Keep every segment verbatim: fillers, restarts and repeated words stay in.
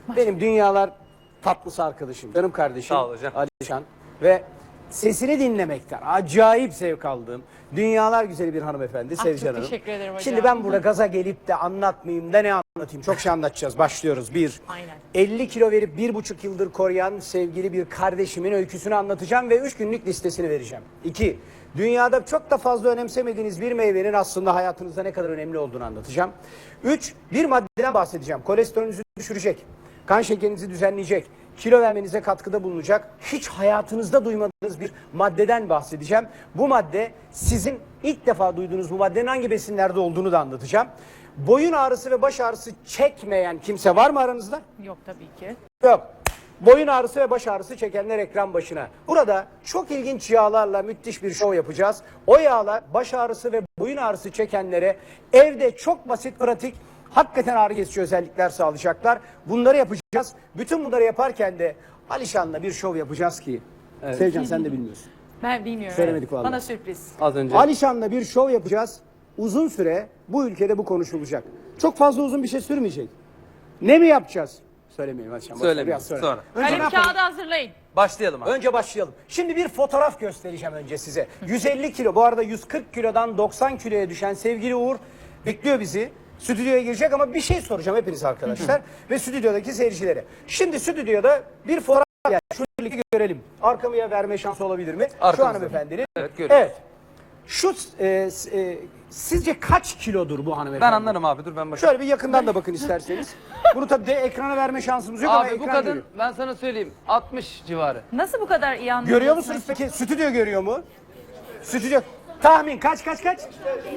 Benim dünyalar tatlısı arkadaşım, canım kardeşim Sağ ol hocam. Alişan ve sesini dinlemekten acayip zevk aldığım dünyalar güzeli bir hanımefendi Ah, Sevcan çok Hanım. teşekkür ederim hocam. Şimdi ben burada gaza gelip de anlatmayayım da ne anlatayım? Çok şey anlatacağız. Başlıyoruz. Bir, Aynen. elli kilo verip bir buçuk yıldır koruyan sevgili bir kardeşimin öyküsünü anlatacağım ve üç günlük listesini vereceğim. İki, dünyada çok da fazla önemsemediğiniz bir meyvenin aslında hayatınızda ne kadar önemli olduğunu anlatacağım. Üç, bir maddeden bahsedeceğim. Kolesterolünüzü düşürecek, kan şekerinizi düzenleyecek, kilo vermenize katkıda bulunacak, hiç hayatınızda duymadığınız bir maddeden bahsedeceğim. Bu madde sizin ilk defa duyduğunuz bu maddenin hangi besinlerde olduğunu da anlatacağım. Boyun ağrısı ve baş ağrısı çekmeyen kimse var mı aranızda? Yok tabii ki. Yok. Boyun ağrısı ve baş ağrısı çekenler ekran başına. Burada çok ilginç yağlarla müthiş bir şov yapacağız. O yağlar baş ağrısı ve boyun ağrısı çekenlere evde çok basit, pratik, hakikaten ağrı kesici özellikler sağlayacaklar. Bunları yapacağız. Bütün bunları yaparken de Alişan'la bir şov yapacağız ki. Evet. Sevcan sen de bilmiyorsun. Ben bilmiyorum. Söylemedik evet. vallahi. Bana sürpriz. Az önce. Alişan'la bir şov yapacağız. Uzun süre bu ülkede bu konuşulacak. Çok fazla uzun bir şey sürmeyecek. Ne mi yapacağız? Söylemeyelim Alişan. Söylemeyelim, Biraz sonra. sonra. Önce ne Kalem yapalım? kağıdı hazırlayın. Başlayalım abi. Önce başlayalım. Şimdi bir fotoğraf göstereceğim önce size. yüz elli kilo, bu arada yüz kırk kilodan doksan kiloya düşen sevgili Uğur bekliyor bizi. Stüdyoya girecek ama bir şey soracağım hepiniz arkadaşlar ve stüdyodaki seyircilere. Şimdi stüdyoda bir fotoğraf yani şu birlikte görelim. Arkamıya verme şansı olabilir mi? Şu Arkamızda. hanımefendinin. Evet, görüyoruz. Evet. Şu e, s- e, sizce kaç kilodur bu hanımefendi? Ben anlarım abi, dur ben bakayım. Şöyle bir yakından da bakın isterseniz. Bunu tabii de ekrana verme şansımız yok ama Abi bu ekran kadın görüyor. ben sana söyleyeyim altmış civarı. Nasıl bu kadar iyi anladın? Görüyor musunuz peki? Stüdyo görüyor mu? Stüdyo. Tahmin kaç kaç kaç?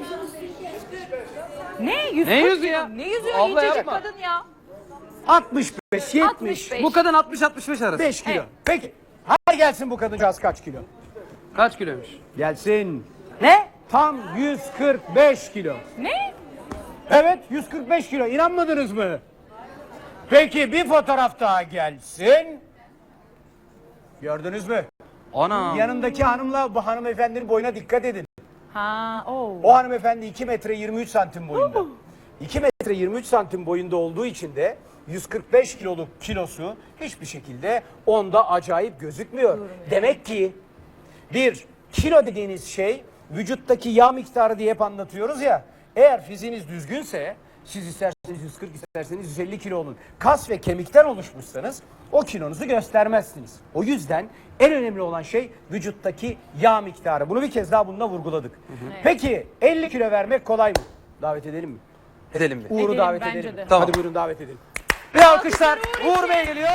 Ne? yüz Ne kırk yüzü kilo? ya? Ne yüzü? Abla İncecik yapma. kadın ya. altmış beş, yetmiş. altmış beş. Bu kadın altmış altmış beş arası. beş kilo. Evet. Peki. Hadi gelsin bu kadıncağız kaç kilo? Kaç kiloymuş? Gelsin. Ne? Tam yüz kırk beş kilo. Ne? Evet yüz kırk beş kilo. İnanmadınız mı? Peki bir fotoğraf daha gelsin. Gördünüz mü? Ana. Yanındaki hanımla bu hanımefendinin boyuna dikkat edin. Ha, o. O hanımefendi iki metre yirmi üç santim boyunda. iki metre yirmi üç santim boyunda olduğu için de yüz kırk beş kiloluk kilosu hiçbir şekilde onda acayip gözükmüyor. Demek ki bir kilo dediğiniz şey vücuttaki yağ miktarı diye hep anlatıyoruz ya. Eğer fiziğiniz düzgünse siz isterseniz yüz kırk isterseniz yüz elli kilo olun. Kas ve kemikten oluşmuşsanız o kilonuzu göstermezsiniz. O yüzden en önemli olan şey vücuttaki yağ miktarı. Bunu bir kez daha bununla vurguladık. Peki elli kilo vermek kolay mı? Davet edelim mi? Edelim bir. Uğur'u Edelim, davet bence edelim. de. Tamam. Hadi buyurun davet edelim. Bir alkışlar. Uğur Uğur Bey geliyor.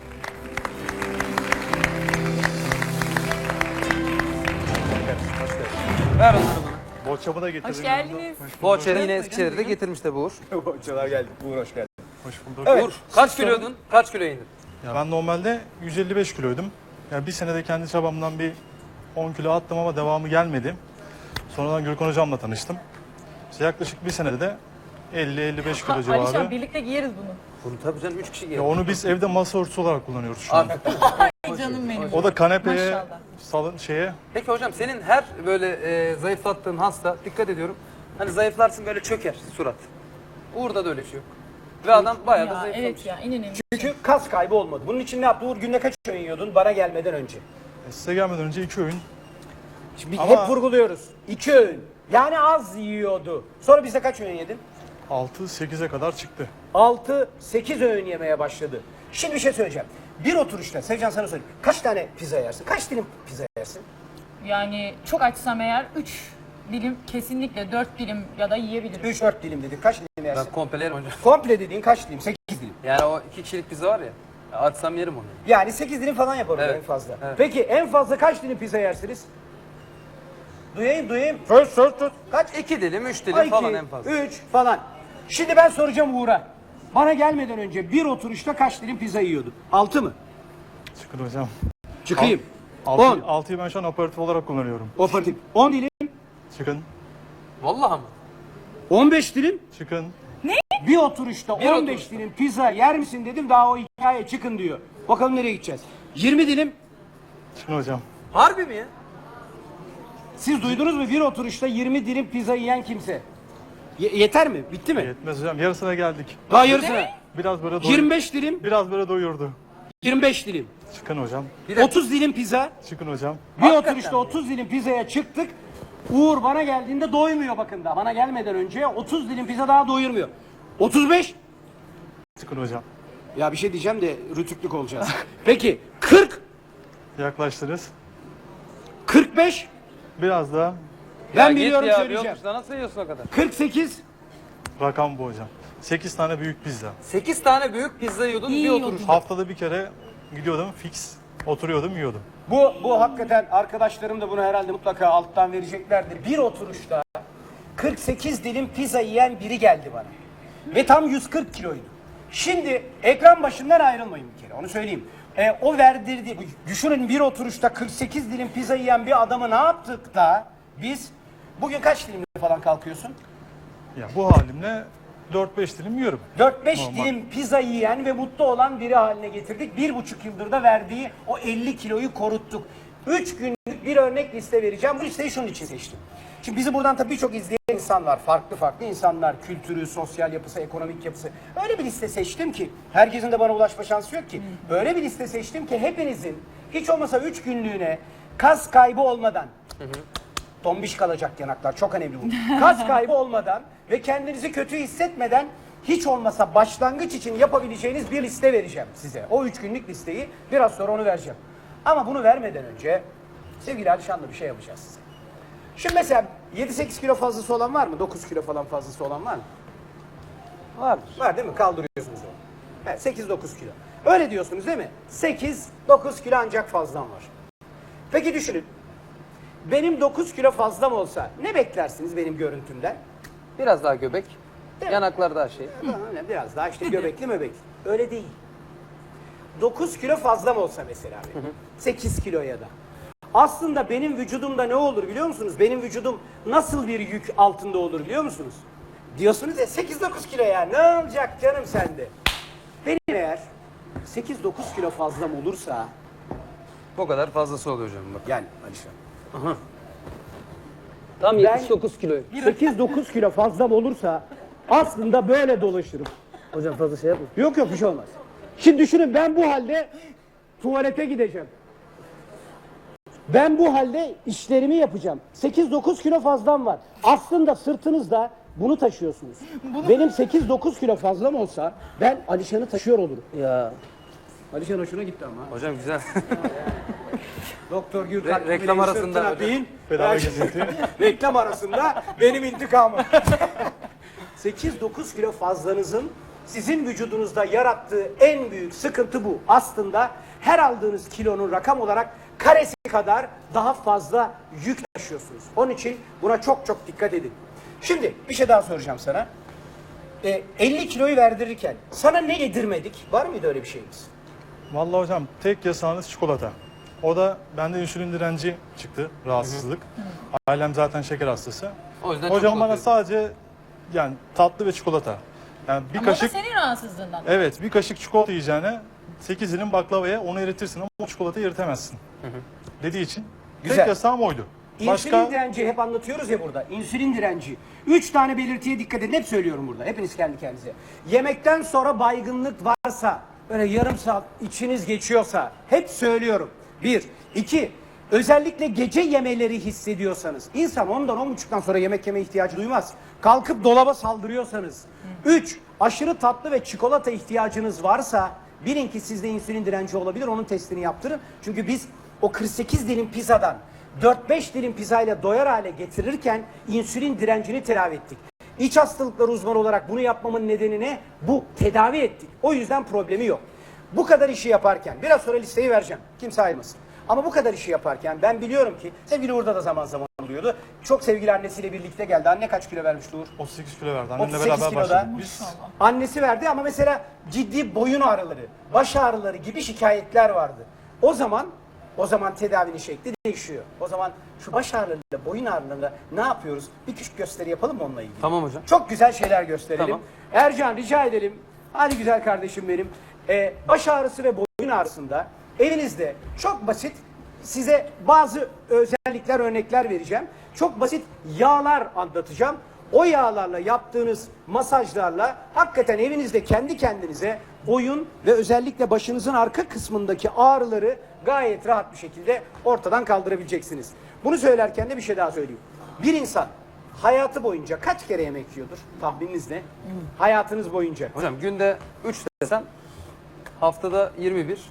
Ver onları bana. Boçamı da getirdim. Hoş geldiniz. Boğaçer'i yine Eskişehir'de de getirmiş de bu Uğur. Hocalar geldi. Uğur hoş geldin. Hoş bulduk. Evet. Uğur kaç kiloydun? Kaç kilo indin? Ya ben normalde yüz elli beş kiloydum. Ya bir senede kendi çabamdan bir on kilo attım ama devamı gelmedi. Sonradan Gürkan hocamla tanıştım. İşte yaklaşık bir senede de elli elli beş kilo Alişan civarı. birlikte giyeriz bunu. Bunu tabii canım üç kişi Ya geliyor. onu biz evde masa örtüsü olarak kullanıyoruz şu an. Abi. Ay canım benim. O da kanepeye, Maşallah. salın şeye. Peki hocam senin her böyle e, zayıflattığın hasta dikkat ediyorum. Hani zayıflarsın böyle çöker surat. Uğur'da da öyle şey yok. Ve adam bayağı da Ya, zayıflamış. evet ya en önemli. Çünkü kas kaybı olmadı. Bunun için ne yaptı? Uğur günde kaç öğün yiyordun bana gelmeden önce? E, Size gelmeden önce iki öğün. Şimdi Ama- hep vurguluyoruz. İki öğün. Yani az yiyordu. Sonra bize kaç öğün yedin? altı sekize kadar çıktı. altı sekiz öğün yemeye başladı. Şimdi bir şey söyleyeceğim. Bir oturuşta, Sevcan sana söyleyeyim. Kaç tane pizza yersin? Kaç dilim pizza yersin? Yani çok açsam eğer üç dilim kesinlikle dört dilim ya da yiyebilirim. üç dört dilim dedik. Kaç dilim yersin? Ben komple yerim hocam. Komple dediğin kaç dilim? sekiz dilim. Yani o iki kişilik pizza var ya. ya Açsam yerim onu. Yani sekiz dilim falan yaparım Evet, en fazla. evet. Peki en fazla kaç dilim pizza yersiniz? Duyayım duyayım. Söz söz söz. Kaç? İki dilim, üç dilim Ay, falan iki, en fazla. üç falan. Şimdi ben soracağım Uğur'a. Bana gelmeden önce bir oturuşta kaç dilim pizza yiyordu? altı mı? Çıkın hocam. Çıkayım. Altı, on. altıyı ben şu an aperatif olarak kullanıyorum. Operatif. on dilim. Çıkın. Vallahi mı? on beş dilim. Çıkın. Bir oturuşta Bir on beş oturuşta. dilim pizza yer misin dedim, daha o hikaye çıkın diyor. Bakalım nereye gideceğiz. yirmi dilim. Çıkın hocam. Harbi mi ya? Siz duydunuz mu bir oturuşta yirmi dilim pizza yiyen kimse? Ye- yeter mi? Bitti mi? Yetmez hocam. Yarısına geldik. Daha yarısına. Biraz böyle doy- yirmi beş dilim, Biraz böyle doyurdu. yirmi beş dilim. Çıkın hocam. otuz dilim pizza. Çıkın hocam. Bir oturuşta otuz dilim pizzaya çıktık. Uğur bana geldiğinde doymuyor bakın da. Bana gelmeden önce otuz dilim pizza daha doyurmuyor. otuz beş. Çıkın hocam. Ya bir şey diyeceğim de rütüklük olacağız. Peki kırk, Yaklaştınız. kırk beş. Biraz daha Ben Ya biliyorum git ya, söyleyeceğim. yokmuş da nasıl yiyorsun o kadar? kırk sekiz. rakam bu hocam. sekiz tane büyük pizza. sekiz tane büyük pizza yiyordun İyi bir yiyordun. oturuş. Haftada bir kere gidiyordum fix. Oturuyordum yiyordum. Bu bu hakikaten arkadaşlarım da bunu herhalde mutlaka alttan vereceklerdir. Bir oturuşta kırk sekiz dilim pizza yiyen biri geldi bana. Ve tam yüz kırk kiloydu. Şimdi ekran başından ayrılmayın bir kere onu söyleyeyim. E, o verdirdi, düşünün bir oturuşta kırk sekiz dilim pizza yiyen bir adamı ne yaptık da biz bugün kaç dilimle falan kalkıyorsun? Ya bu halimle dört beş dilim yiyorum. dört beş Normal. dilim pizza yiyen ve mutlu olan biri haline getirdik. Bir buçuk yıldır da verdiği o elli kiloyu koruttuk. Üç günlük bir örnek liste vereceğim. Bu listeyi şunun için seçtim. Şimdi bizi buradan tabii birçok izleyen insan var. Farklı farklı insanlar. Kültürü, sosyal yapısı, ekonomik yapısı. Öyle bir liste seçtim ki, herkesin de bana ulaşma şansı yok ki. Öyle bir liste seçtim ki hepinizin hiç olmasa üç günlüğüne kas kaybı olmadan, tombiş kalacak yanaklar, çok önemli bu. Kas kaybı olmadan ve kendinizi kötü hissetmeden hiç olmasa başlangıç için yapabileceğiniz bir liste vereceğim size. O üç günlük listeyi biraz sonra onu vereceğim. Ama bunu vermeden önce sevgili Alişan'la bir şey yapacağız size. Şimdi mesela yedi sekiz kilo fazlası olan var mı? dokuz kilo falan fazlası olan var mı? Vardır. Var değil mi? Kaldırıyorsunuz onu. Evet, sekiz dokuz kilo. Öyle diyorsunuz değil mi? sekiz dokuz kilo ancak fazlam var. Peki düşünün. Benim dokuz kilo fazlam olsa ne beklersiniz benim görüntümden? Biraz daha göbek. Değil mi? Yanaklar daha şey. Öyle biraz daha işte göbekli möbekli. Öyle değil. dokuz kilo fazlam olsa mesela benim. sekiz kiloya da. Aslında benim vücudumda ne olur biliyor musunuz? Benim vücudum nasıl bir yük altında olur biliyor musunuz? Diyorsunuz ya sekiz dokuz kilo ya ne olacak canım sende? Benim eğer sekiz dokuz kilo fazlam olursa O kadar fazlası oluyor hocam bak. yani Alişan. Tam Ben- yetmiş dokuz kiloyu. sekiz dokuz kilo fazlam olursa aslında böyle dolaşırım. Hocam fazla şey yapma. Yok yok bir şey olmaz. Şimdi düşünün ben bu halde tuvalete gideceğim. Ben bu halde işlerimi yapacağım. sekiz dokuz kilo fazlam var. Aslında sırtınızda bunu taşıyorsunuz. Benim sekiz dokuz kilo fazlam olsa ben Alişan'ı taşıyor olurum. Ya. Alişan hoşuna gitti ama. Hocam güzel. Doktor Re- Gürkan reklam Kubilay'ın arasında sırtına hocam. bin. Bedava Ben- gezinti. Reklam arasında benim intikamım. sekiz dokuz kilo fazlanızın sizin vücudunuzda yarattığı en büyük sıkıntı bu. Aslında her aldığınız kilonun rakam olarak karesi kadar daha fazla yük taşıyorsunuz. Onun için buna çok çok dikkat edin. Şimdi bir şey daha soracağım sana. E, elli kiloyu verdirirken sana ne yedirmedik? Var mıydı öyle bir şeyimiz? Vallahi hocam tek yasağınız çikolata. O da bende insülin direnci çıktı, rahatsızlık. Ailem zaten şeker hastası. O yüzden çok Hocam bana korkuyorum. sadece yani tatlı ve çikolata. Yani bir Ama o da kaşık senin rahatsızlığından. evet bir kaşık çikolata yiyeceğine sekiz dilim baklavaya onu eritirsin ama o çikolatayı eritemezsin. Dediği için Güzel. tek yasağım oydu. İnsülin Başka direnci hep anlatıyoruz ya burada. İnsülin direnci. Üç tane belirtiye dikkat edin. Hep söylüyorum burada. Hepiniz kendi kendinize. Yemekten sonra baygınlık varsa, böyle yarım saat içiniz geçiyorsa hep söylüyorum. Bir. iki. Özellikle gece yemeleri hissediyorsanız. İnsan ondan on buçuktan sonra yemek yeme ihtiyacı duymaz. Kalkıp dolaba saldırıyorsanız. Üç. Aşırı tatlı ve çikolata ihtiyacınız varsa bilin ki sizde insülin direnci olabilir. Onun testini yaptırın. Çünkü biz o kırk sekiz dilim pizzadan dört beş dilim pizzayla doyar hale getirirken insülin direncini tedavi ettik. İç hastalıklar uzmanı olarak bunu yapmamın nedeni ne? Bu, tedavi ettik. O yüzden problemi yok. Bu kadar işi yaparken, biraz sonra listeyi vereceğim. Kimse ayrılmasın. Ama bu kadar işi yaparken ben biliyorum ki, sevgili Uğur'da da zaman zaman oluyordu. Çok sevgili annesiyle birlikte geldi. Anne kaç kilo vermişti Uğur? otuz sekiz kilo verdi. Annemle otuz sekiz beraber kiloda. başladık. Biz Annesi verdi ama mesela ciddi boyun ağrıları, baş ağrıları gibi şikayetler vardı. O zaman o zaman tedavinin şekli değişiyor. O zaman şu baş ağrılarıyla, boyun ağrılarıyla ne yapıyoruz? Bir küçük gösteri yapalım mı onunla ilgili? Tamam hocam. Çok güzel şeyler gösterelim. Tamam. Ercan rica edelim. Hadi güzel kardeşim benim. Ee, baş ağrısı ve boyun ağrısında evinizde çok basit size bazı özellikler, örnekler vereceğim. Çok basit yağlar anlatacağım. o yağlarla yaptığınız masajlarla hakikaten evinizde kendi kendinize boyun ve özellikle başınızın arka kısmındaki ağrıları gayet rahat bir şekilde ortadan kaldırabileceksiniz. Bunu söylerken de bir şey daha söyleyeyim. Bir insan hayatı boyunca kaç kere yemek yiyordur? Tahmininiz ne? Hayatınız boyunca. Hocam günde üç desem haftada yirmi bir.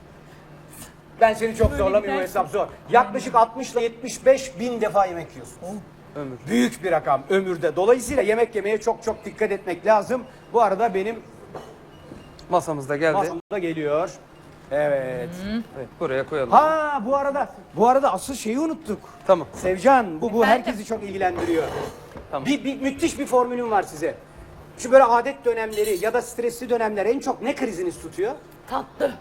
Ben seni çok Böyle zorlamıyorum, bu gidersin. hesap zor. Yaklaşık altmış ile yetmiş beş bin defa yemek yiyorsun. Ömür. Büyük bir rakam ömürde. Dolayısıyla yemek yemeye çok çok dikkat etmek lazım. Bu arada benim Masamızda geldi. masamda geliyor. Evet. Evet, buraya koyalım. Ha bu arada bu arada asıl şeyi unuttuk. Tamam. Sevcan bu bu Efendim? herkesi çok ilgilendiriyor. Tamam. Bir, bir müthiş bir formülüm var size. Şu böyle adet dönemleri ya da stresli dönemler en çok ne kriziniz tutuyor? Tatlı.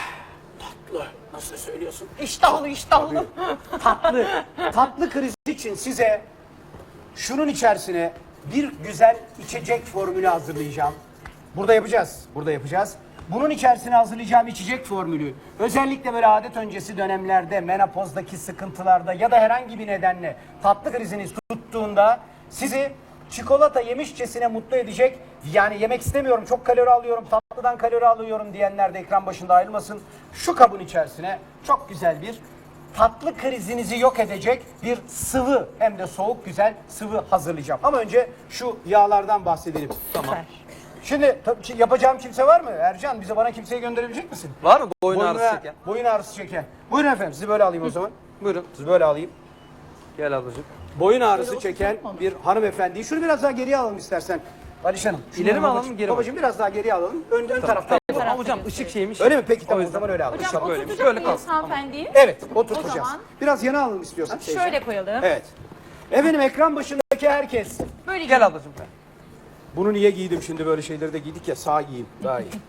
Tatlı. Nasıl söylüyorsun? İştahlı iştahlı. Tatlı. Tatlı krizi için size şunun içerisine bir güzel içecek formülü hazırlayacağım. Burada yapacağız. Burada yapacağız. Bunun içerisine hazırlayacağım içecek formülü özellikle böyle adet öncesi dönemlerde, menopozdaki sıkıntılarda ya da herhangi bir nedenle tatlı kriziniz tuttuğunda sizi çikolata yemişçesine mutlu edecek, yani yemek istemiyorum, çok kalori alıyorum, tatlıdan kalori alıyorum diyenler de ekran başında ayrılmasın. Şu kabın içerisine çok güzel bir tatlı krizinizi yok edecek bir sıvı, hem de soğuk güzel sıvı hazırlayacağım. Ama önce şu yağlardan bahsedelim. Tamam. Şimdi tabii ki yapacağım kimse var mı? Ercan, bize bana kimseyi gönderebilecek misin? Var mı boyun Boyun ağrısı ve- çeken? Boyun ağrısı çeken. Buyurun efendim, sizi böyle alayım o zaman. Buyurun. Sizi böyle alayım. Gel ablacığım. Boyun ağrısı çeken bir hanımefendiyi şunu biraz daha geriye alalım istersen. Aliş Hanım. şunu İleri mi babacığım- alalım, geri mi? Babacığım biraz daha geriye alalım. Ön, ön tarafta. Tamam. Ama hocam ışık şeymiş. Öyle mi? Peki tamam o yüzden. zaman öyle alalım. Hocam Şap böyle, oturtacak böyle mıyız kalsın. hanımefendiyi? Evet, oturtacağız. O zaman- Biraz yana alalım istiyorsan. teyze. Şöyle koyalım. Evet. Efendim ekran başındaki herkes. Böyle Gel ablacığım. Bunu niye giydim şimdi, böyle şeyleri de giydik ya, sağ giyeyim daha iyi.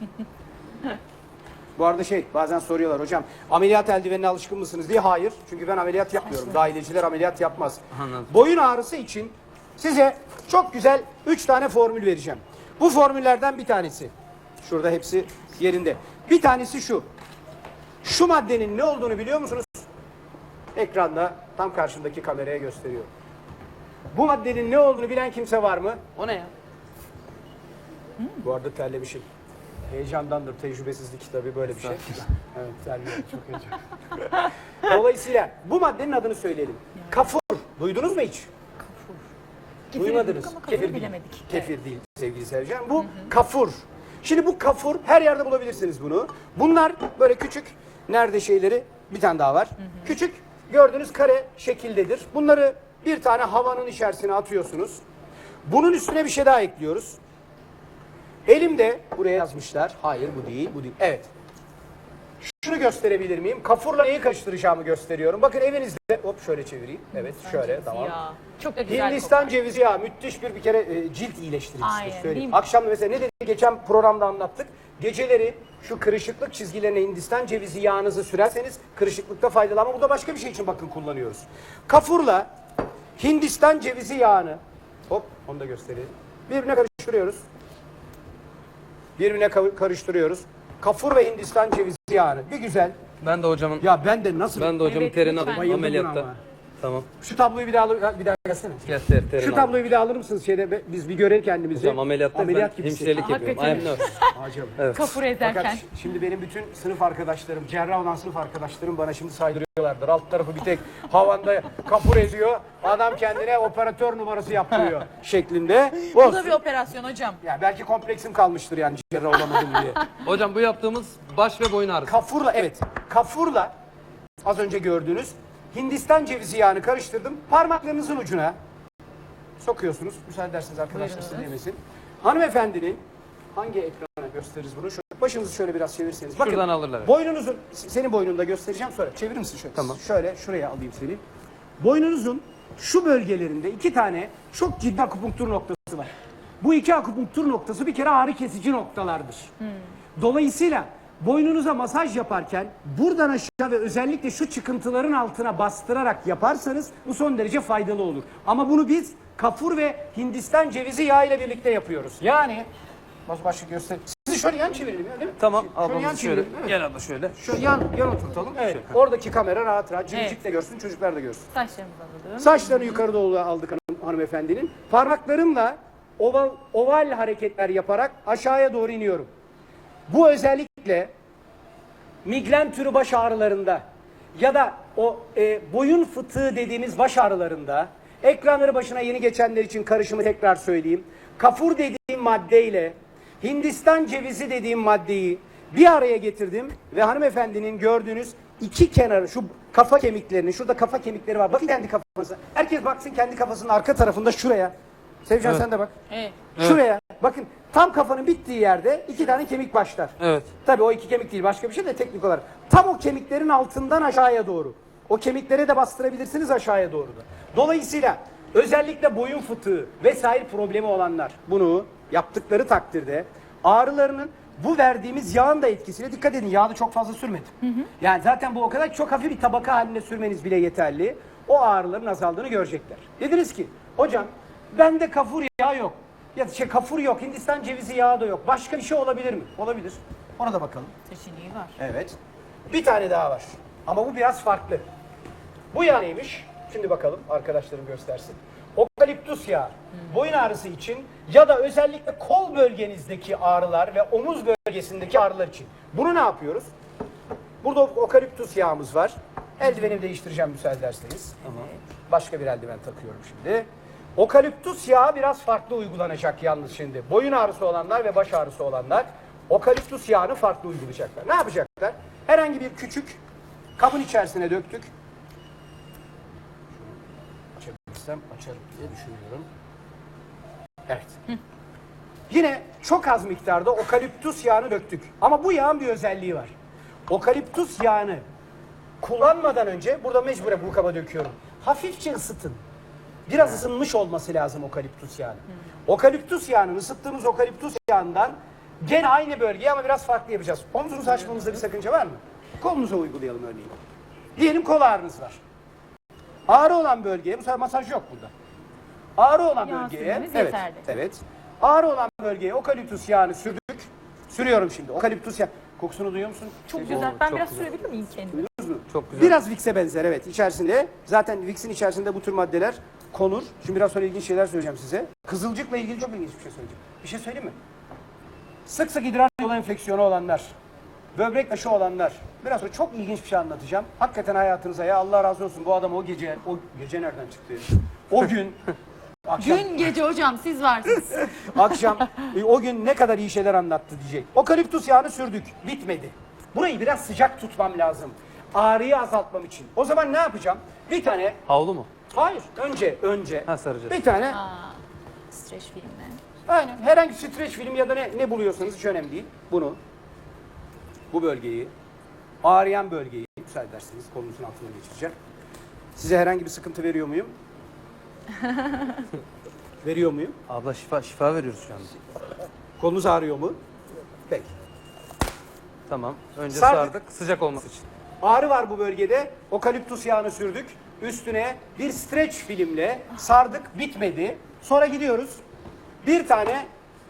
Bu arada şey, bazen soruyorlar hocam ameliyat eldivenine alışkın mısınız diye. Hayır, çünkü ben ameliyat yapmıyorum. Dahileciler ameliyat yapmaz. Anladım. Boyun ağrısı için size çok güzel üç tane formül vereceğim. Bu formüllerden bir tanesi, şurada hepsi yerinde. Bir tanesi şu. Şu maddenin ne olduğunu biliyor musunuz? Ekranda tam karşımdaki kameraya gösteriyor. Bu maddenin ne olduğunu bilen kimse var mı? O ne ya? Bu arada terlemişim. Heyecandandır, tecrübesizlik tabii böyle bir şey. Evet, terliyorum, çok heyecan. Dolayısıyla bu maddenin adını söyleyelim. Kafur. Duydunuz mu hiç? Kefiri Duymadınız. duyduk ama Kefir kafiri değil. bilemedik. Kefir değil sevgili Sercan. Bu kafur. Şimdi bu kafur, her yerde bulabilirsiniz bunu. Bunlar böyle küçük, nerede şeyleri, bir tane daha var. Küçük, gördüğünüz kare şekildedir. Bunları bir tane havanın içerisine atıyorsunuz. Bunun üstüne bir şey daha ekliyoruz. Elimde, buraya yazmışlar. Hayır bu değil, bu değil. Evet. Şunu gösterebilir miyim? Kafurla neyi karıştıracağımı gösteriyorum. Bakın evinizde, hop şöyle çevireyim. Evet, şöyle, tamam. Ya. Çok da güzel Hindistan kokar. cevizi yağı müthiş bir bir kere e, cilt iyileştiricisidir. Aynen, Söyleyeyim. değil mi? Akşam mesela ne dedi geçen programda anlattık. Geceleri şu kırışıklık çizgilerine Hindistan cevizi yağınızı sürerseniz kırışıklıkta faydalı, ama bu da başka bir şey için bakın kullanıyoruz. Kafurla Hindistan cevizi yağını, hop onu da göstereyim. Birbirine karıştırıyoruz. Birbirine ka- karıştırıyoruz. Kafur ve Hindistan cevizi yağını bir güzel. Ben de hocamın Ya ben de nasıl ben de hocamın Evet, terini lütfen. alayım Bayıldım buna ameliyatta. ama. Tamam. Şu tabloyu bir daha al- bir daha gelsene. Gel ter, terini Şu al. tabloyu bir daha alır mısınız? Şeyde be- biz bir görelim kendimizi. Hocam ameliyatta Ameliyat ben gibisin. hemşirelik yapıyorum. I am Hakikaten. nurse. Acaba. Kafur Fakat ezerken. ş- şimdi benim bütün sınıf arkadaşlarım, cerrah olan sınıf arkadaşlarım bana şimdi saydırıyorlardır. Alt tarafı bir tek havanda kapur eziyor. Adam kendine operatör numarası yaptırıyor şeklinde. Bu Olsun. da bir operasyon hocam. Ya belki kompleksim kalmıştır yani cerrah olamadım diye. Hocam bu yaptığımız baş ve boyun ağrısı. Kafurla, evet. Kafurla az önce gördüğünüz Hindistan cevizi yağını karıştırdım. Parmaklarınızın ucuna sokuyorsunuz. Müsaade ederseniz arkadaşlar sizi dinlemesin. Hanımefendinin hangi ekrana gösteririz bunu? Şöyle, başınızı şöyle biraz çevirirseniz. Bakın, Şuradan alırlar. boynunuzun, senin boynunda göstereceğim sonra. Çevirir misin şöyle? Tamam. Şöyle şuraya alayım seni. Boynunuzun şu bölgelerinde iki tane çok ciddi akupunktur noktası var. Bu iki akupunktur noktası bir kere ağrı kesici noktalardır. Dolayısıyla boynunuza masaj yaparken buradan aşağı ve özellikle şu çıkıntıların altına bastırarak yaparsanız bu son derece faydalı olur. Ama bunu biz kafur ve Hindistan cevizi yağı ile birlikte yapıyoruz. Yani baş başlık göster. Sizi Sizi şöyle yan çevirelim ya değil mi? Tamam Şöyle yan ablamız şöyle. çevirelim, evet. Gel abla şöyle. Şöyle yan, yan oturtalım. Evet. Oradaki kamera rahat rahat cimcik Evet. de görsün, çocuklar da görsün. Saçlarımızı alalım. Saçlarını yukarı doğru aldık hanım, hanımefendinin. Parmaklarımla oval, oval hareketler yaparak aşağıya doğru iniyorum. Bu özellikle migren türü baş ağrılarında ya da o e, boyun fıtığı dediğimiz baş ağrılarında, ekranları başına yeni geçenler için karışımı tekrar söyleyeyim. Kafur dediğim maddeyle Hindistan cevizi dediğim maddeyi bir araya getirdim ve hanımefendinin gördüğünüz iki kenarı, şu kafa kemiklerini, şurada kafa kemikleri var. Bakın kendi kafanıza. Herkes baksın kendi kafasının arka tarafında şuraya. Sevcan sen de bak. Evet. Şuraya. Bakın tam kafanın bittiği yerde iki tane kemik başlar. Evet. Tabii o iki kemik değil, başka bir şey de teknik olarak. Tam o kemiklerin altından aşağıya doğru. O kemiklere de bastırabilirsiniz aşağıya doğru da. Dolayısıyla özellikle boyun fıtığı vesaire problemi olanlar bunu yaptıkları takdirde ağrılarının bu verdiğimiz yağın da etkisiyle, dikkat edin, yağı da çok fazla sürmedim. Yani zaten bu o kadar çok hafif bir tabaka halinde sürmeniz bile yeterli. O ağrıların azaldığını görecekler. Dediniz ki hocam bende kafur yağı yok. Ya şey kafur yok, Hindistan cevizi yağı da yok. Başka bir şey olabilir mi? Olabilir. Ona da bakalım. Seçeneği var. Evet. Bir tane daha var. Ama bu biraz farklı. Bu yağ neymiş? Şimdi bakalım, arkadaşlarım göstersin. Okaliptus yağı. Boyun ağrısı için ya da özellikle kol bölgenizdeki ağrılar ve omuz bölgesindeki ağrılar için. Bunu ne yapıyoruz? Burada okaliptus yağımız var. Eldivenimi değiştireceğim müsaade ederseniz. Tamam. Başka bir eldiven takıyorum şimdi. Okaliptus yağı biraz farklı uygulanacak yalnız şimdi. Boyun ağrısı olanlar ve baş ağrısı olanlar okaliptus yağını farklı uygulayacaklar. Ne yapacaklar? Herhangi bir küçük kabın içerisine döktük. Açabilirsem açarım diye düşünüyorum. Evet. Yine çok az miktarda okaliptus yağını döktük. Ama bu yağın bir özelliği var. Okaliptus yağını kullanmadan önce, burada mecburen bu kaba döküyorum. Hafifçe ısıtın. Biraz ısınmış olması lazım okaliptus yağının. Okaliptus yağının, ısıttığımız okaliptus yağından gene aynı bölgeye ama biraz farklı yapacağız. Omuzunuzu açmamızda bir sakınca var mı? Kolunuza uygulayalım örneğin. Diyelim kol ağrınız var. Ağrı olan bölgeye, bu sefer masaj yok burada. Ağrı olan Yağ bölgeye, sürmeniz evet, yeterli. evet. Ağrı olan bölgeye okaliptus yağını sürdük. Sürüyorum şimdi. Okaliptus yağı. Kokusunu duyuyor musun? Çok Sevgili- güzel. Ben çok biraz güzel. sürebilir miyim kendimi? Çok güzel. Biraz Vicks'e benzer, evet, içerisinde. Zaten Vicks'in içerisinde bu tür maddeler konur. Şimdi biraz sonra ilginç şeyler söyleyeceğim size. Kızılcıkla ilgili çok ilginç bir şey söyleyeceğim. Bir şey söyleyeyim mi? Sık sık idrar yolu enfeksiyonu olanlar, böbrek taşı olanlar. Biraz sonra çok ilginç bir şey anlatacağım. Hakikaten hayatınıza, ya Allah razı olsun, bu adam o gece, o gece nereden çıktı? O gün, akşam, Gün gece hocam siz varsınız. akşam e, o gün ne kadar iyi şeyler anlattı diyecek. Okaliptus yağını sürdük, bitmedi. Burayı biraz sıcak tutmam lazım. Ağrıyı azaltmam için. O zaman ne yapacağım? Bir tane, Havlu mu? hayır, önce, önce Ha, saracağız. bir tane, Aa, streç filmi. aynen, herhangi bir streç film ya da ne, ne buluyorsanız hiç önemli değil. Bunu, bu bölgeyi, ağrıyan bölgeyi, müsaade ederseniz kolunuzun altına geçireceğim. Size herhangi bir sıkıntı veriyor muyum? Veriyor muyum? Abla şifa şifa veriyoruz şu anda. Kolunuz ağrıyor mu? Peki. Tamam. Önce Sardık. sardık. Sıcak olması için. Ağrı var bu bölgede. Okaliptus yağını sürdük. Üstüne bir streç filmle sardık. Bitmedi. Sonra gidiyoruz. Bir tane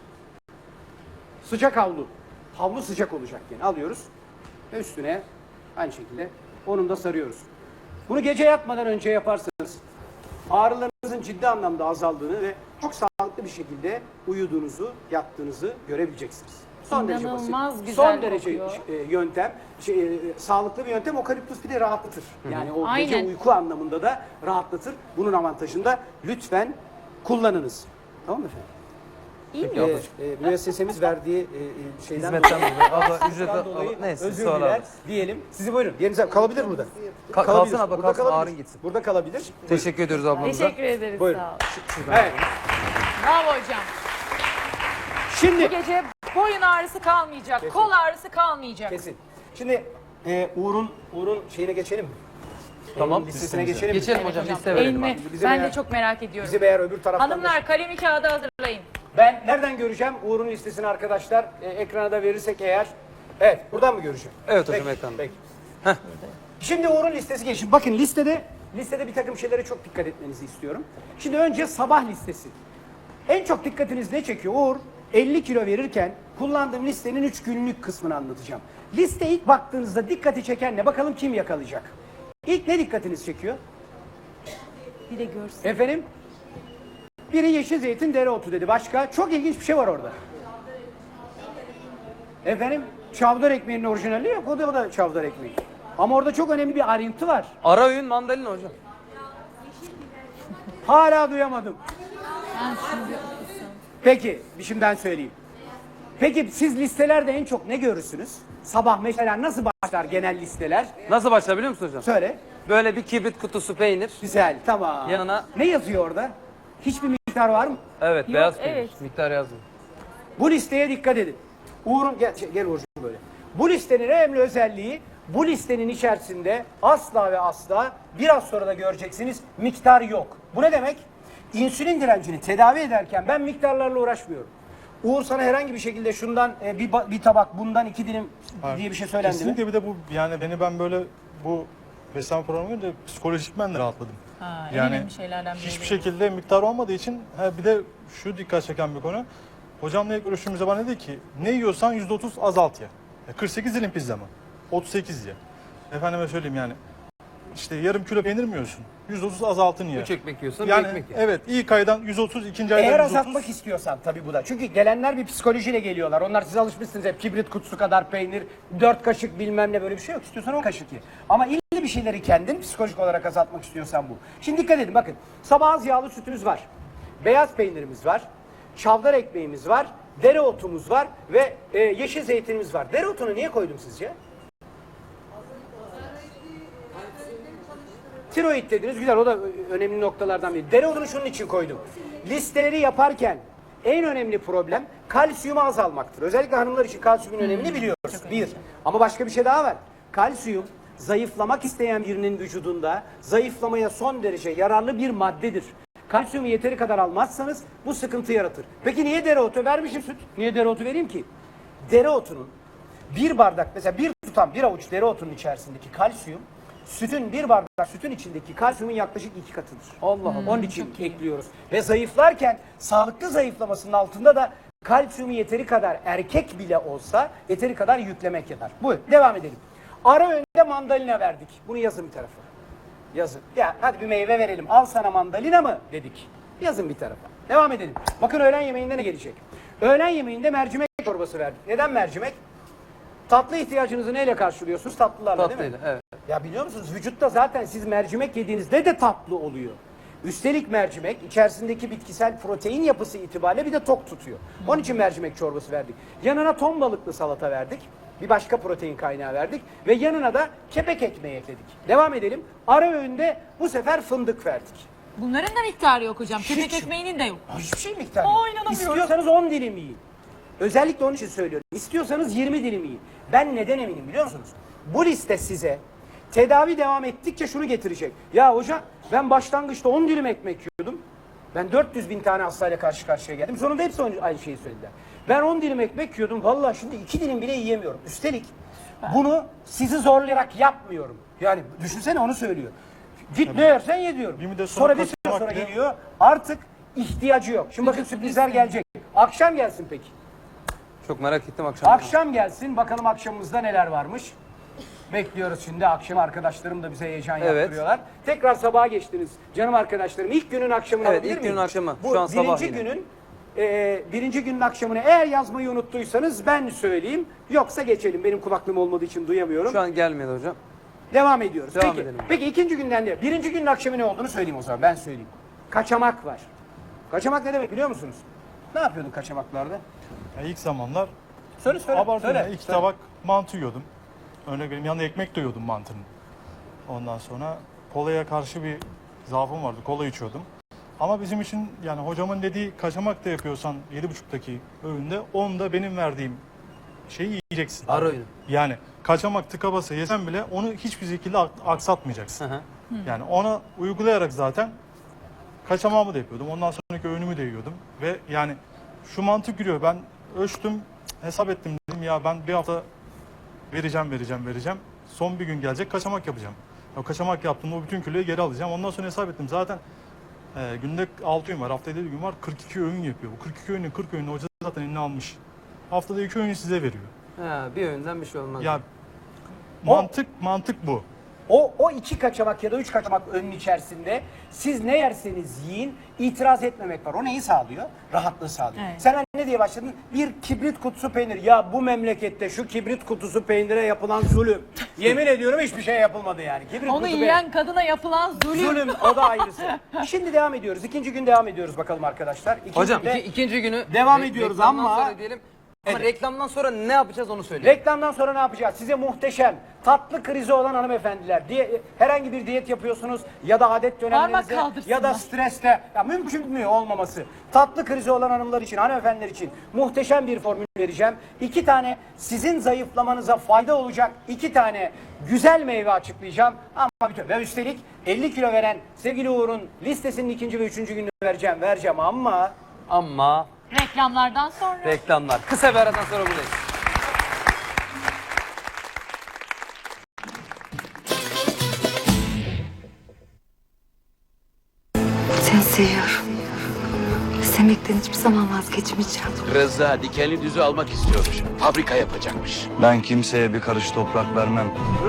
sıcak havlu. Havlu sıcak olacak yani. Alıyoruz. Ve üstüne aynı şekilde onun da sarıyoruz. Bunu gece yatmadan önce yaparsanız ağrılarınızın ciddi anlamda azaldığını ve çok sağlıklı bir şekilde uyuduğunuzu, yattığınızı görebileceksiniz. Son derece İnanılmaz basit. güzel Son derece kokuyor. e, yöntem, şey, e, sağlıklı bir yöntem. Okaliptus bir de rahatlatır. Yani o gece Aynen. uyku anlamında da rahatlatır. Bunun avantajını da lütfen kullanınız. Tamam mı efendim? İyi mi? E, e, müessesemiz verdiği e, e, şeyden Hizmetten dolayı. Abla ücret Bundan dolayı abla, neyse özür sonra diler alırız. diyelim. Sizi buyurun. Yerinize kalabilir burada. Ka- Kalabilir. kalsın abla Burada kalsın kalabilir. ağrın gitsin. Burada kalabilir. Teşekkür ediyoruz ablamıza. Teşekkür ederiz Buyurun. sağ ol. Evet. Bravo hocam. Bu Şimdi gece boyun ağrısı kalmayacak, kol ağrısı kalmayacak. kesin. Şimdi e, Uğur'un Uğur'un şeyine geçelim mi? Tamam. Uğur'un listesine geçelim mi? Geçelim hocam liste verelim. Elmi. Bizim Ben eğer- de çok merak ediyorum. Bizim eğer öbür taraftan da- Hanımlar kalemi kağıdı hazırlayın. Ben nereden göreceğim Uğur'un listesini arkadaşlar? E, ekrana da verirsek eğer. Evet, buradan mı göreceğim? Evet hocam, Peki, ekranda. Peki. Şimdi Uğur'un listesi geçin. Bakın listede listede bir takım şeylere çok dikkat etmenizi istiyorum. Şimdi önce sabah listesi. En çok dikkatiniz ne çekiyor? Uğur elli kilo verirken kullandığım listenin üç günlük kısmını anlatacağım. Liste ilk baktığınızda dikkati çeken ne? Bakalım kim yakalayacak? İlk ne dikkatinizi çekiyor? Bir de görsün. Efendim? Biri yeşil zeytin, dereotu dedi. Başka? Çok ilginç bir şey var orada. Efendim? Çavdar ekmeğinin orijinali yok. O da, o da çavdar ekmeği. Ama orada çok önemli bir ayrıntı var. Ara öğün mandalina hocam. Hala duyamadım. Ben şimdi Peki, şimdi ben söyleyeyim. Peki siz listelerde en çok ne görürsünüz? Sabah mesela nasıl başlar genel listeler? Nasıl başlar biliyor musun hocam? Söyle. Böyle bir kibrit kutusu peynir. Güzel, tamam. Yanına- Ne yazıyor orada? Hiçbir miktar var mı? Evet, Yok, beyaz peynir. evet. Miktar yazmıyor. Bu listeye dikkat edin. Uğur'un, gel, gel Uğur'cum böyle. Bu listenin en önemli özelliği, bu listenin içerisinde asla ve asla, biraz sonra da göreceksiniz, miktar yok. Bu ne demek? İnsülin direncini tedavi ederken ben miktarlarla uğraşmıyorum. Uğur sana herhangi bir şekilde şundan e, bir, ba- bir tabak, bundan iki dilim diye bir şey söylendi mi? Kesinlikle bir de bu yani beni ben böyle bu beslenme programı görünce psikolojikmen de rahatladım. Ha, en yani önemli şeylerden biri. hiçbir şekilde miktar olmadığı için ha, bir de şu dikkat çeken bir konu. Hocamla ilk görüşümüzde bana dedi ki ne yiyorsan yüzde otuz azalt ye. Ya kırk sekiz dilim pizza mı? otuz sekiz ye. Efendime söyleyeyim yani. İşte yarım kilo peynir mi yiyorsun? yüzde otuz azaltın ye. Üç ekmek yiyorsan bir Yani ekmek ye. evet ilk aydan yüz otuz, ikinci aydan Eğer yüz otuz. azaltmak istiyorsan tabii bu da. Çünkü gelenler bir psikolojiyle geliyorlar. Onlar siz alışmışsınız hep kibrit kutusu kadar peynir, dört kaşık bilmem ne böyle bir şey yok. İstiyorsan on kaşık ye. Ama illa bir şeyleri kendin psikolojik olarak azaltmak istiyorsan bu. Şimdi dikkat edin bakın. Sabah az yağlı sütümüz var. Beyaz peynirimiz var. Çavdar ekmeğimiz var. Dereotumuz var ve e, yeşil zeytinimiz var. Dereotunu niye koydum sizce? Tiroid dediniz güzel, o da önemli noktalardan biri. Dereotunu şunun için koydum. Listeleri yaparken en önemli problem kalsiyumu azalmaktır. Özellikle hanımlar için kalsiyumun önemini biliyoruz. Bir. Ama başka bir şey daha var. Kalsiyum zayıflamak isteyen birinin vücudunda zayıflamaya son derece yararlı bir maddedir. Kalsiyumu yeteri kadar almazsanız bu sıkıntı yaratır. Peki niye dereotu vermişim süt? Niye dereotu vereyim ki? Dereotunun bir bardak, mesela bir tutam bir avuç dereotunun içerisindeki kalsiyum sütün bir bardak sütün içindeki kalsiyumun yaklaşık iki katıdır. Allah Allah. Onun için ekliyoruz. Ve zayıflarken sağlıklı zayıflamasının altında da kalsiyumu yeteri kadar erkek bile olsa yeteri kadar yüklemek yeter. Bu. Devam edelim. Ara öğünde mandalina verdik. Bunu yazın bir tarafa. Yazın. Ya hadi bir meyve verelim. Al sana mandalina mı dedik. Yazın bir tarafa. Devam edelim. Bakın öğlen yemeğinde ne gelecek? Öğlen yemeğinde mercimek çorbası verdik. Neden mercimek? Tatlı ihtiyacınızı neyle karşılıyorsunuz? Tatlılarla değil mi? Tatlıyla, evet. Ya biliyor musunuz vücutta zaten siz mercimek yediğinizde de tatlı oluyor. Üstelik mercimek içerisindeki bitkisel protein yapısı itibariyle bir de tok tutuyor. Onun için mercimek çorbası verdik. Yanına ton balıklı salata verdik. Bir başka protein kaynağı verdik. Ve yanına da kepek ekmeği ekledik. Devam edelim. Ara öğünde bu sefer fındık verdik. Bunların da miktarı yok hocam. Kepek Hiç. ekmeğinin de yok. Hiçbir şey miktarı Aa, yok. inanamıyorum. İstiyorsanız on dilim yiyin. Özellikle onun için söylüyorum. İstiyorsanız yirmi dilim yiyin. Ben neden eminim biliyor musunuz? Bu liste size tedavi devam ettikçe şunu getirecek. Ya hocam ben başlangıçta on dilim ekmek yiyordum. Ben dört yüz bin tane hastayla karşı karşıya geldim. Sonunda hepsi aynı şeyi söylediler. Ben on dilim ekmek yiyordum. Vallahi şimdi iki dilim bile yiyemiyorum. Üstelik bunu sizi zorlayarak yapmıyorum. Yani düşünsene onu söylüyor. Git ne yersen ye diyorum. Bir müddet sonra Sonra bir süre kaçırmak sonra bile- geliyor. Artık ihtiyacı yok. Şimdi bakın sürprizler gelecek. Akşam gelsin peki. Çok merak ettim akşam. Akşam gelsin. Bakalım akşamımızda neler varmış. Bekliyoruz şimdi. Akşam arkadaşlarım da bize heyecan Evet. yaptırıyorlar. Tekrar sabaha geçtiniz. Canım arkadaşlarım ilk günün akşamını Evet, alabilir ilk miyim? günün akşamı. Bu Şu an sabah birinci yine. günün e, birinci günün akşamını eğer yazmayı unuttuysanız ben söyleyeyim. Yoksa geçelim. Benim kulaklığım olmadığı için duyamıyorum. Şu an gelmedi hocam. Devam ediyoruz. Devam peki, edelim. peki ikinci günden de. Birinci günün akşamı ne olduğunu söyleyeyim o zaman. Ben söyleyeyim. Kaçamak var. Kaçamak ne demek biliyor musunuz? Ne yapıyordun kaçamaklarda? Ya ilk zamanlar Söyle söyle. abartıyorum söyle, ya, iki söyle. tabak mantı yiyordum. Örnek vereyim yanında ekmek de yiyordum mantının. Ondan sonra kolaya karşı bir zaafım vardı. Kola içiyordum. Ama bizim için yani hocamın dediği kaçamak da yapıyorsan yedi buçuktaki öğünde on da benim verdiğim şeyi yiyeceksin. Ara öğün. Yani kaçamak tıka basa yesen bile onu hiçbir şekilde ak- aksatmayacaksın. Hı hı. Yani ona uygulayarak zaten kaçamağımı da yapıyordum. Ondan sonraki öğünümü de yiyordum. Ve yani şu mantık giriyor. Ben ölçtüm, hesap ettim dedim ya ben bir hafta vereceğim, vereceğim, vereceğim. Son bir gün gelecek kaçamak yapacağım. O kaçamak yaptığımda o bütün kiloyu geri alacağım. Ondan sonra hesap ettim. Zaten e, günde altı öğün var, haftada yedi gün var. kırk iki öğün yapıyor. Bu kırk iki öğünün kırk öğünü hoca zaten eline almış. Haftada iki öğün size veriyor. Ha, bir öğünden bir şey olmaz. Ya mantık mantık bu. O, o iki kaçamak ya da üç kaçamak önün içerisinde siz ne yerseniz yiyin itiraz etmemek var. O neyi sağlıyor? Rahatlığı sağlıyor. Evet. Sen hani ne diye başladın? Bir kibrit kutusu peynir. Ya bu memlekette şu kibrit kutusu peynire yapılan zulüm. Yemin ediyorum hiçbir şey yapılmadı yani. Kibrit Onu kutusu yiyen kadına yapılan zulüm. Zulüm o da ayrısı. Şimdi devam ediyoruz. İkinci gün devam ediyoruz bakalım arkadaşlar. İkinci Hocam günde iki, ikinci günü devam re- ediyoruz reklamdan ama- sonra diyelim. Ama Evet. reklamdan sonra ne yapacağız onu söyleyin. reklamdan sonra ne yapacağız? Size muhteşem tatlı krizi olan hanımefendiler. Diye, herhangi bir diyet yapıyorsunuz ya da adet Parmak dönemlerinizde kaldırsınlar. ya da streste. Ya mümkün mü olmaması? Tatlı krizi olan hanımlar için, hanımefendiler için muhteşem bir formül vereceğim. İki tane sizin zayıflamanıza fayda olacak iki tane güzel meyve açıklayacağım. Ama bütün ve üstelik elli kilo veren sevgili Uğur'un listesinin ikinci ve üçüncü gününü vereceğim. Vereceğim ama Ama Reklamlardan sonra. reklamlar. Kısa bir aradan sonra buradayız. Seni seviyorum. Sevmekten hiçbir zaman vazgeçmeyeceğim. Rıza dikenli düzü almak istiyormuş. Fabrika yapacakmış. Ben kimseye bir karış toprak vermem.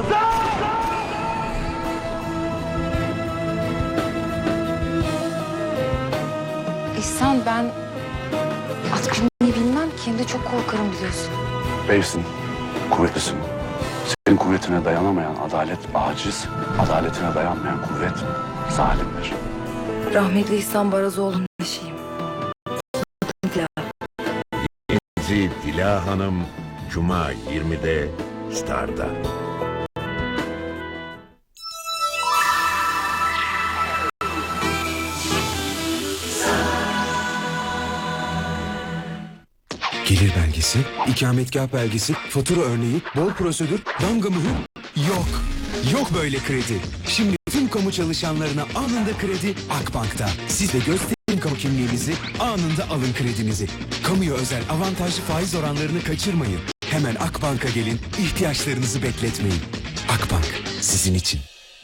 İhsan, ben at binmeyi bilmem ki. Hem de çok korkarım biliyorsun. Beysin, kuvvetlisin. Senin kuvvetine dayanamayan adalet aciz, adaletine dayanmayan kuvvet zalimdir. Rahmetli İhsan Barazoğlu'nun eşiyim. Dizi Dila Hanım Cuma yirmide Star'da. Gelir belgesi, ikametgah belgesi, fatura örneği, bol prosedür, damga mühür. Yok. Yok böyle kredi. Şimdi tüm kamu çalışanlarına anında kredi Akbank'ta. Siz de gösterin kamu kimliğinizi, anında alın kredinizi. Kamuya özel avantajlı faiz oranlarını kaçırmayın. Hemen Akbank'a gelin, ihtiyaçlarınızı bekletmeyin. Akbank, sizin için.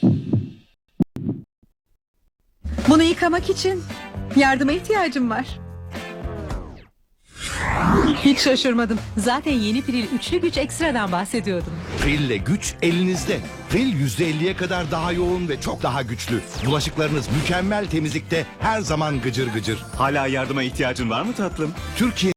Bunu yıkamak için yardıma ihtiyacım var. Hiç şaşırmadım. Zaten yeni Pril üçlü güç ekstradan bahsediyordum. Prill'le güç elinizde. Prill yüzde elliye kadar daha yoğun ve çok daha güçlü. Bulaşıklarınız mükemmel temizlikte her zaman gıcır gıcır. Hala yardıma ihtiyacın var mı tatlım? Türkiye